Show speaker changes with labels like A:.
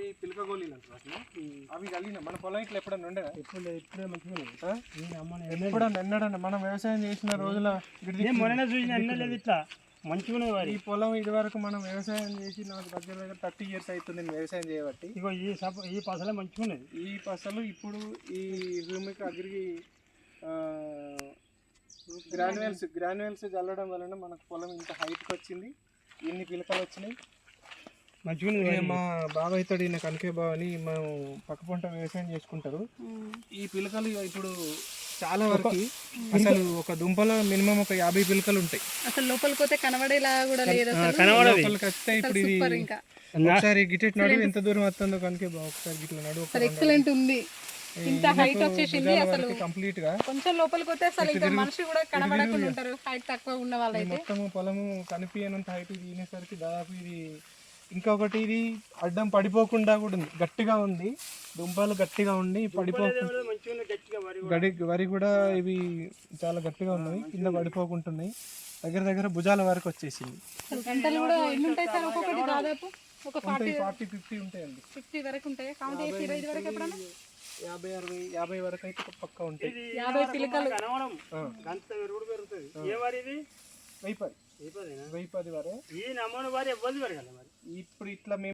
A: అవి పిలక గోళీలు అంటారు అసలు. అవి కలిగిన మన పొలం ఇట్లా ఎప్పుడన్నా ఉండేదా?
B: ఇప్పుడే మంచిగా
A: ఎప్పుడన్నా ఎన్నడన్నా మనం వ్యవసాయం చేసిన రోజుల
B: మొన్న చూసిన లేదు ఇట్లా మంచిగా
A: ఈ పొలం ఇది వరకు మనం వ్యవసాయం చేసి నాకు దగ్గర దగ్గర 30 years అవుతుంది నేను వ్యవసాయం చేయబట్టి.
B: ఇగో ఈ పసలే మంచిగా ఉన్నది.
A: ఈ పసలు ఇప్పుడు ఈ హ్యూమిక్ అగ్రి గ్రాన్యువల్స్ చల్లడం వలన మనకు పొలం ఇంత హైట్కి వచ్చింది, ఎన్ని పిలకలు వచ్చినాయి మంచిగా. మా బాబాయ్ తోడు ఈయన కనకే బావని మనం పక్క పంట వ్యవసాయం చేసుకుంటారు. ఈ పిలకలు ఇప్పుడు చాలా వరకు అసలు ఒక దుంపలో మినిమం ఒక 50 పిలకలు ఉంటాయి.
C: అసలు లోపలికి పోతే కనబడేలా కూడా లేదు.
A: లోపలికి వస్తే ఇప్పుడు ఇది ఒకసారి గిటెట్ నడు ఎంత దూరం వస్తుందో కనుక ఒకసారి గిట్ల నడు
C: ఎక్సలెంట్ ఉంది. ఇంత హైట్ వచ్చేసింది. అసలు
A: కంప్లీట్ గా
C: కొంచెం లోపలికి పోతే అసలు ఇంకా మనిషి కూడా కనబడకుండా ఉంటారు హైట్ తక్కువ ఉన్న వాళ్ళైతే.
A: మొత్తము పొలము కనిపించనంత హైట్ తినేసరికి దాదాపు ఇది ఇంకొకటి ఇది అడ్డం పడిపోకుండా కూడా ఉంది, గట్టిగా ఉంది, దుంపలు గట్టిగా ఉండి పడిపోకుండా. వరి కూడా ఇవి చాలా గట్టిగా ఉన్నాయి, కింద పడిపోకుంటున్నాయి. దగ్గర భుజాల వరకు వచ్చేసింది.
C: గంటలు కూడా ఎన్ని ఉంటాయి సార్? ఒక్కొక్కటి దాదాపు ఒక
A: 40-50 ఉంటాయండి.
C: 50 వరకు ఉంటాయి. కౌంట్ చేసి 25 వరకు ఎప్పుడన్నా
A: 50 వరకు అయితే పక్క ఉంటాయి.
C: 50 పిలకలు
A: వైపది వరే. ఇప్పుడు ఇట్లా